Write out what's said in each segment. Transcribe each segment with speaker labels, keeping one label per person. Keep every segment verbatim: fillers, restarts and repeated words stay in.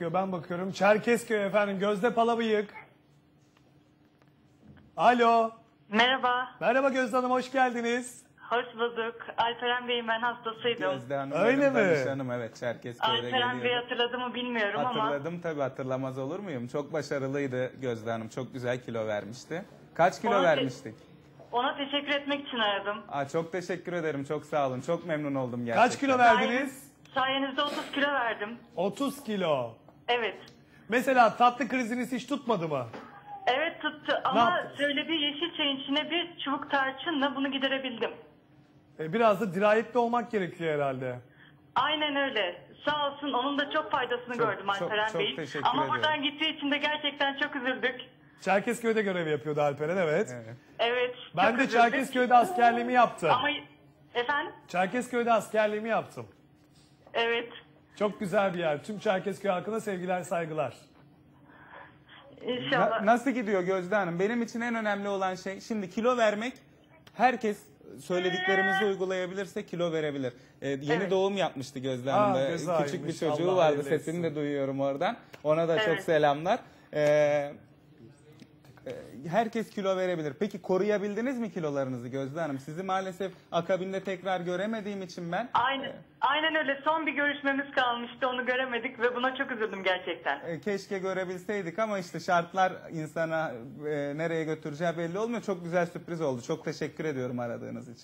Speaker 1: bakıyor, ben bakıyorum. Çerkezköy efendim, Gözde Palabıyık. Alo.
Speaker 2: Merhaba,
Speaker 1: Merhaba Gözde Hanım, hoş geldiniz.
Speaker 2: hoş bulduk. Alperen Bey'in ben hastasıydım.
Speaker 3: Gözde Hanım
Speaker 1: Öyle
Speaker 3: benim
Speaker 1: mi?
Speaker 3: danışanım, evet, Çerkezköy'de
Speaker 2: Alperen Bey
Speaker 3: geliyordu.
Speaker 2: hatırladı mı bilmiyorum ama
Speaker 3: Hatırladım tabii, hatırlamaz olur muyum? Çok başarılıydı Gözde Hanım, çok güzel kilo vermişti. Kaç kilo
Speaker 2: Ona te-
Speaker 3: vermiştik?
Speaker 2: ona teşekkür etmek için aradım.
Speaker 3: Aa, çok teşekkür ederim, çok sağ olun, çok memnun oldum gerçekten.
Speaker 1: Kaç kilo verdiniz?
Speaker 2: Sayenizde otuz kilo verdim.
Speaker 1: otuz kilo.
Speaker 2: Evet.
Speaker 1: Mesela tatlı kriziniz hiç tutmadı mı?
Speaker 2: Evet tuttu
Speaker 1: Ne
Speaker 2: ama
Speaker 1: yaptınız?
Speaker 2: söylediği yeşil çayın içine bir çubuk tarçınla bunu giderebildim.
Speaker 1: E, biraz da dirayetli olmak gerekiyor herhalde.
Speaker 2: Aynen öyle. Sağ olsun onun da çok faydasını
Speaker 3: Çok-
Speaker 2: gördüm
Speaker 3: çok-
Speaker 2: Alperen
Speaker 3: çok
Speaker 2: Bey'in.
Speaker 3: teşekkür
Speaker 2: Ama
Speaker 3: ediyorum.
Speaker 2: buradan gittiği için de gerçekten çok üzüldük.
Speaker 1: Çerkezköy'de görev yapıyordu Alperen, evet.
Speaker 3: Evet.
Speaker 2: Evet.
Speaker 1: Ben
Speaker 2: çok
Speaker 1: de
Speaker 2: üzüldük.
Speaker 1: Çerkezköy'de askerliğimi yaptım.
Speaker 2: Ama efendim?
Speaker 1: Çerkezköy'de askerliğimi yaptım.
Speaker 2: Evet.
Speaker 1: Çok güzel bir yer. Tüm Çerkezköy halkına sevgiler, saygılar.
Speaker 2: İnşallah.
Speaker 3: Na- nasıl gidiyor Gözde Hanım? Benim için en önemli olan şey, şimdi kilo vermek, herkes söylediklerimizi uygulayabilirse kilo verebilir. Ee, yeni
Speaker 2: Evet.
Speaker 3: doğum yapmıştı Gözde
Speaker 1: Aa,
Speaker 3: Hanım da.
Speaker 1: güzelmiş.
Speaker 3: Küçük bir çocuğu
Speaker 1: Allah
Speaker 3: vardı,
Speaker 1: hayırlı
Speaker 3: sesini de
Speaker 1: etsin.
Speaker 3: duyuyorum oradan. Ona da çok
Speaker 2: Evet.
Speaker 3: selamlar. Ee, e, herkes kilo verebilir. Peki koruyabildiniz mi kilolarınızı Gözde Hanım? Sizi maalesef akabinde tekrar göremediğim için ben...
Speaker 2: Aynen, aynen öyle. Son bir görüşmemiz kalmıştı. Onu göremedik ve buna çok üzüldüm gerçekten.
Speaker 3: E, Keşke görebilseydik ama işte şartlar insana e, nereye götüreceği belli olmuyor. Çok güzel sürpriz oldu. Çok teşekkür ediyorum aradığınız için.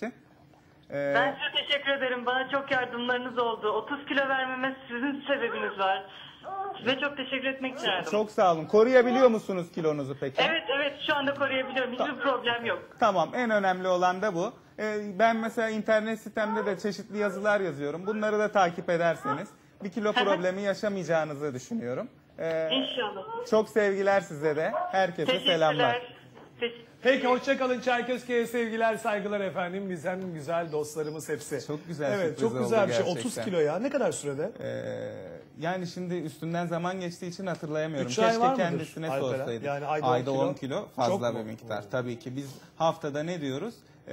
Speaker 3: E,
Speaker 2: Ben size teşekkür ederim. Bana çok yardımlarınız oldu. otuz kilo vermeme sizin sebebiniz var. Size çok teşekkür etmek için aradım.
Speaker 3: Çok sağ olun. Koruyabiliyor musunuz kilonuzu peki?
Speaker 2: Evet evet şu anda koruyabiliyorum. Hiçbir problem yok.
Speaker 3: Tamam, en önemli olan da bu. E, ben mesela internet sitemde de çeşitli yazılar yazıyorum. Bunları da takip ederseniz bir kilo problemi yaşamayacağınızı düşünüyorum. E,
Speaker 2: İnşallah.
Speaker 3: çok sevgiler size de. Herkese selamlar.
Speaker 2: Teşekkürler. Teş-
Speaker 1: Peki hoşçakalın, Çerkezköy'e sevgiler, saygılar efendim. Bizden güzel dostlarımız hepsi.
Speaker 3: Çok güzel
Speaker 1: Evet,
Speaker 3: sürpriz
Speaker 1: çok
Speaker 3: oldu
Speaker 1: güzel bir şey.
Speaker 3: gerçekten.
Speaker 1: otuz kilo ya. Ne kadar sürede?
Speaker 3: Ee, yani şimdi üstünden zaman geçtiği için hatırlayamıyorum.
Speaker 1: Üç ay
Speaker 3: Keşke
Speaker 1: var mıdır
Speaker 3: kendisine
Speaker 1: Alperen?
Speaker 3: sorsaydık.
Speaker 1: Yani ayda
Speaker 3: ayda
Speaker 1: on
Speaker 3: on
Speaker 1: kilo.
Speaker 3: kilo
Speaker 1: Çok
Speaker 3: fazla
Speaker 1: mu?
Speaker 3: bir miktar. Tabii ki biz haftada ne diyoruz?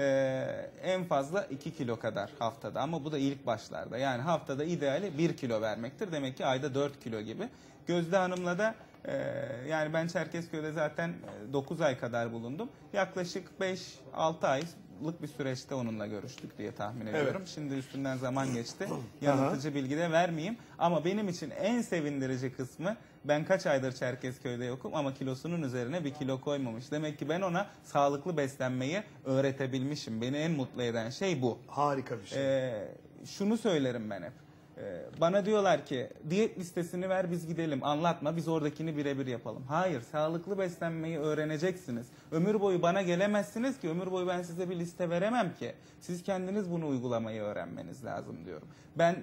Speaker 3: Ee, en fazla iki kilo kadar haftada, ama bu da ilk başlarda. Yani haftada ideali bir kilo vermektir. Demek ki ayda dört kilo gibi. Gözde Hanım'la da e, yani ben Çerkezköy'de zaten dokuz ay kadar bulundum. Yaklaşık beş altı aylık bir süreçte onunla görüştük diye tahmin ediyorum. Şimdi üstünden zaman geçti. Yanıltıcı bilgi de vermeyeyim. Ama benim için en sevindirici kısmı, ben kaç aydır Çerkezköy'de yokum ama kilosunun üzerine bir kilo koymamış. Demek ki ben ona sağlıklı beslenmeyi öğretebilmişim. Beni en mutlu eden şey bu.
Speaker 1: Harika bir şey.
Speaker 3: Ee, şunu söylerim ben hep. Ee, bana diyorlar ki diyet listesini ver biz gidelim, anlatma, biz oradakini birebir yapalım. Hayır, sağlıklı beslenmeyi öğreneceksiniz. Ömür boyu bana gelemezsiniz ki, ömür boyu ben size bir liste veremem ki. Siz kendiniz bunu uygulamayı öğrenmeniz lazım diyorum. Ben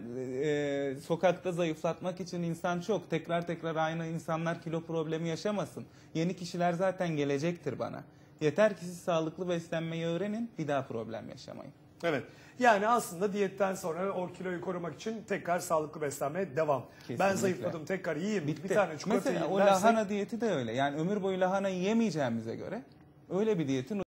Speaker 3: e, sokakta zayıflatmak için insan çok. Tekrar tekrar aynı insanlar kilo problemi yaşamasın. Yeni kişiler zaten gelecektir bana. Yeter ki siz sağlıklı beslenmeyi öğrenin, bir daha problem yaşamayın.
Speaker 1: Evet. Yani aslında diyetten sonra o kiloyu korumak için tekrar sağlıklı beslenmeye devam. Ben
Speaker 3: Kesinlikle.
Speaker 1: zayıfladım, tekrar yiyeyim.
Speaker 3: Bitti.
Speaker 1: Bir tane çikolata
Speaker 3: Mesela
Speaker 1: yiyeyim
Speaker 3: o
Speaker 1: dersek-
Speaker 3: lahana diyeti de öyle. Yani ömür boyu lahana yiyemeyeceğimize göre öyle bir diyetin